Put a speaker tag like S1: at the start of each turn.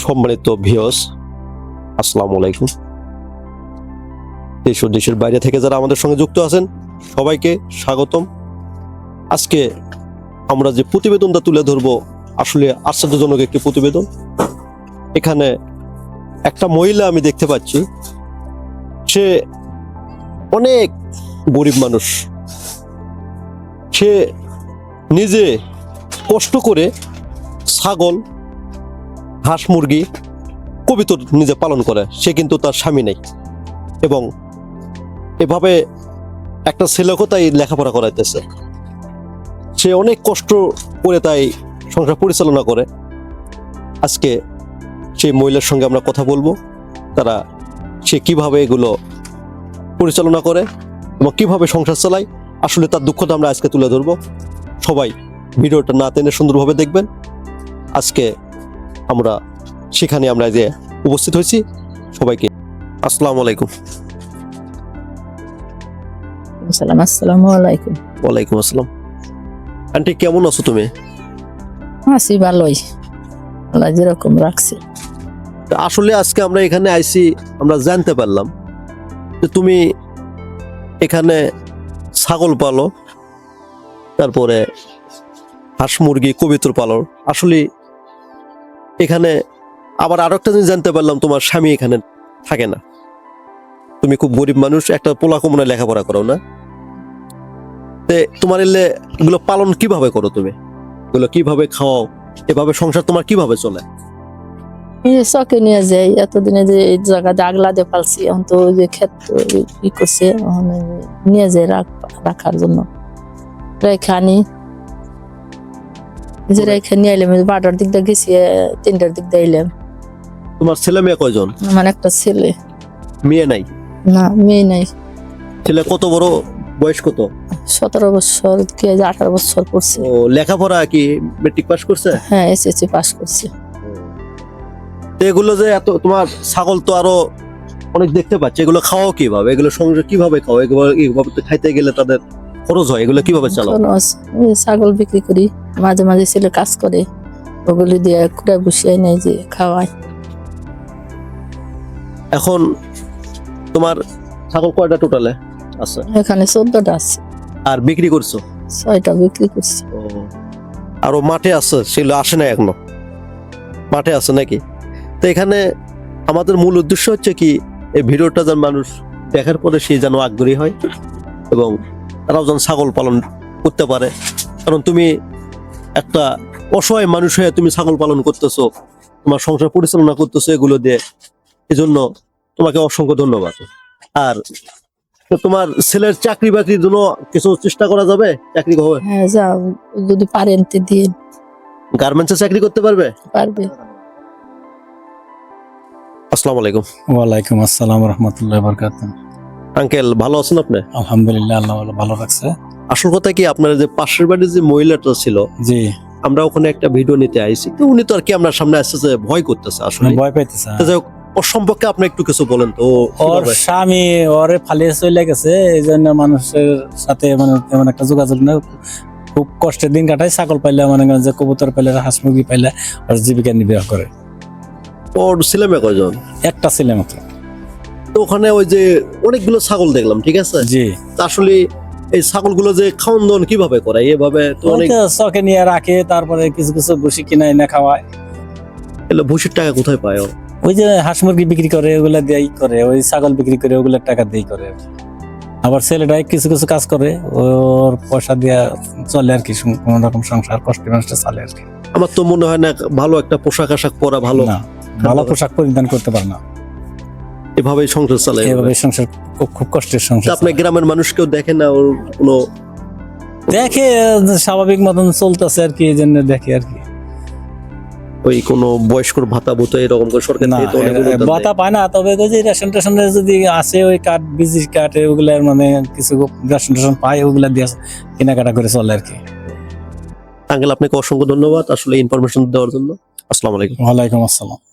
S1: সম্মানিত ভিউয়ার্স, আসসালামু আলাইকুম। দেশ ও দেশের বাইরে থেকে যারা আমাদের সঙ্গে যুক্ত আছেন সবাইকে স্বাগতম। আজকে আমরা যে প্রতিবেদনটা তুলে ধরবো আসলে আশ্চর্যজনক একটি প্রতিবেদন। এখানে একটা মহিলা আমি দেখতে পাচ্ছি, সে অনেক গরিব মানুষ। সে নিজে কষ্ট করে ছাগল, হাঁস, মুরগি, কবুতর নিজে পালন করে। সে কিন্তু তার স্বামী নেই এবং এভাবে একটা ছেলেকেও তাই লেখাপড়া করাইতেছে। সে অনেক কষ্ট করে তাই সংসার পরিচালনা করে। আজকে সেই মহিলার সঙ্গে আমরা কথা বলবো, সে কিভাবে এগুলো পরিচালনা করে এবং কিভাবে সংসার চালায়। আসলে তার দুঃখটা আমরা আজকে তুলে ধরবো। সবাই ভিডিওটা না টেনে সুন্দরভাবে দেখবেন। আজকে আমরা সেখানে আমরা যে উপস্থিত হয়েছি, সবাইকে আসসালামু আলাইকুম।
S2: আসসালামু আলাইকুম।
S1: ওয়ালাইকুম আসসালাম। আন্টি, কেমন আছো তুমি?
S2: আছি ভালোই, আল্লাহ যেরকম রাখছে।
S1: আসলে আজকে আমরা এখানে আইছি, আমরা জানতে পারলাম যে তুমি এখানে ছাগল পালো, তারপরে হাঁস, মুরগি, কবুতর পালো। আসলে এখানে আবার আরো একটা জিনিস জানতে পারলাম, তোমার স্বামী এখানে থাকে না। তুমি খুব গরিব মানুষ, একটা পোলাকুমনে লেখাপড়া করো না? তোমার এগুলো পালন কিভাবে করো তুমি? এগুলো কিভাবে খাওয়াও? এভাবে সংসার তোমার কিভাবে চলে?
S2: চকে নিয়ে যাই, এতদিনে যে এই জায়গাতে আগলা দিয়ে পালছি, এখন তো ওই যে ক্ষেত ই করছে, নিয়ে যাই রাখার জন্য। রেখে আনি, যে রেখে নিয়ে এলাম। 12টার দিক দিয়ে গেছি, 3টার দিক দিয়ে এলাম।
S1: তোমার ছেলে মেয়ে কয়জন?
S2: আমার একটা ছেলে।
S1: মেয়ে নাই?
S2: না, মেয়ে নাই।
S1: ছেলে কত বড়? বয়স কত?
S2: 17 বছর কি 18 বছর পড়ছে।
S1: ও, লেখাপড়া কি মেট্রিক পাস করছে?
S2: হ্যাঁ, এসএসসি পাস করছে।
S1: তো এগুলো যে এত, তোমার ছাগল তো আরো অনেক দেখতে পাচ্ছি, এগুলো খাওয়াও কিভাবে? এগুলো সংসার কিভাবে খাও? এগুলো তো খাইতে গেলে তাদের খরচ হয়, এগুলো কিভাবে চালাও?
S2: ছাগল বিক্রি করি, মাঝে মাঝে ছেলে কাজ করে, ওগুলি দিয়ে কুড়া বসিয়ে নেই যে খাওয়াই।
S1: এখন তোমার ছাগল কয়টা টোটালে আছে?
S2: এখানে 14টা আছে।
S1: আর বিক্রি করছো?
S2: 6টা বিক্রি করছি।
S1: ও, আরো মাঠে আছে, সেগুলো আসে না এখনো? মাঠে আছে নাকি? তো এখানে আমাদের মূল উদ্দেশ্য হচ্ছে কি, এই ভিডিওটা যেন মানুষ দেখার পরে সে যেন আগ্রহী হয় এবং তারাও যেন ছাগল পালন করতে পারে। কারণ তুমি একটা অসহায় মানুষ হয়ে তুমি ছাগল পালন করতেছো, তোমার সংসার পরিচালনা করতেছো এগুলো দিয়ে। এই জন্য তোমাকে অসংখ্য ধন্যবাদ। আর তোমার ছেলের চাকরি বাকরির জন্য কিছু চেষ্টা করা যাবে? চাকরি হবে?
S2: হ্যাঁ, যাও, যদি পারেন তো দিন।
S1: গার্মেন্টসে চাকরি করতে পারবে?
S2: পারবে।
S1: আসসালামু আলাইকুম।
S3: ওয়ালাইকুম আসসালাম রহমতুল্লাহ বারাকাতুহু।
S1: আঙ্কেল, ভালো আছেন আপনি?
S3: আলহামদুলিল্লাহ, আল্লাহ ভালো রাখছে।
S1: আসল কথা কি, আপনার যে পাশের বাড়ির যে মহিলাটা ছিল,
S3: জি,
S1: আমরা ওখানে একটা ভিডিও নিতে আইছি, তো উনি তো আর কি আপনার সামনে আসতেছে, ভয় করতেছে আসলে।
S3: ভয় পাইতেছে।
S1: তো যাই হোক, ওর সম্পর্কে আপনি একটু কিছু বলেন তো।
S3: ওর স্বামী ওরে ফালিয়ে চলে গেছে, এই জন্য মানুষের সাথে মানে তেমন একটা যোগাযোগ নেই। খুব কষ্টের দিন কাটায়। ছাগল পাইলে মানে যে কবুতর পাইলে, হাঁস মুরগি পাইলে ওর জীবিকা নির্বাহ করে।
S1: ওর ছেলে মেয়ে কয়জন?
S3: একটা ছেলে মাত্র।
S1: তো ওখানে ওই যে অনেকগুলো ছাগল দেখলাম, ঠিক আছে?
S3: জি,
S1: আসলে এই ছাগলগুলো যে খাওয়ান দাওয়ান কিভাবে করে? এভাবে তো অনেক
S3: চকে নিয়ে রাখে, তারপরে কিছু কিছু ভুসি কিনে এনে খাওয়ায়।
S1: এগুলো ভুসির টাকা কোথায় পায় ও?
S3: ওই যে হাঁস মুরগি বিক্রি করে ওগুলা দিয়েই করে, ওই ছাগল বিক্রি করে ওগুলোর টাকা দিয়েই করে। আবার ছেলেটাই কিছু কিছু কাজ করে, ওর পয়সা দিয়ে চলে আর কি, কোন রকম সংসার কষ্টে মানুষটা চলে আর কি।
S1: আমার তো মনে হয় না ভালো একটা পোশাক আশাক পরা ভালো,
S3: না, ভালো পোশাক পরিধান করতে পারে না,
S1: এভাবেই সংসার চালায়।
S3: এভাবে সংসার খুব কষ্টের সংসার।
S1: আপনি গ্রামের মানুষ কেউ দেখে না ওর কোনো?
S3: দেখে স্বাভাবিক মতন চলতেছে আর কি, এই জন্য দেখে আর কি।
S1: ওই কোনো বয়স্কর ভাতা ভুতা এরকম করে সরকার
S3: না,
S1: থেকে তো অনেক অনুদান দেয়।
S3: ভাতা পায় না, তবে ওই যে রেশন টেশনের যদি আসে, ওই কার্ড, বিজি কার্ড, ওগুলার মানে কিছু রেশন টেশন পায়, ওগুলা দিয়ে কেনাকাটা করে চলে আর কি।
S1: আঙ্কেল, আপনাকে অসংখ্য ধন্যবাদ আসলে ইনফরমেশন দেওয়ার জন্য। আসসালামু আলাইকুম।
S3: ওয়ালাইকুম আসসালাম।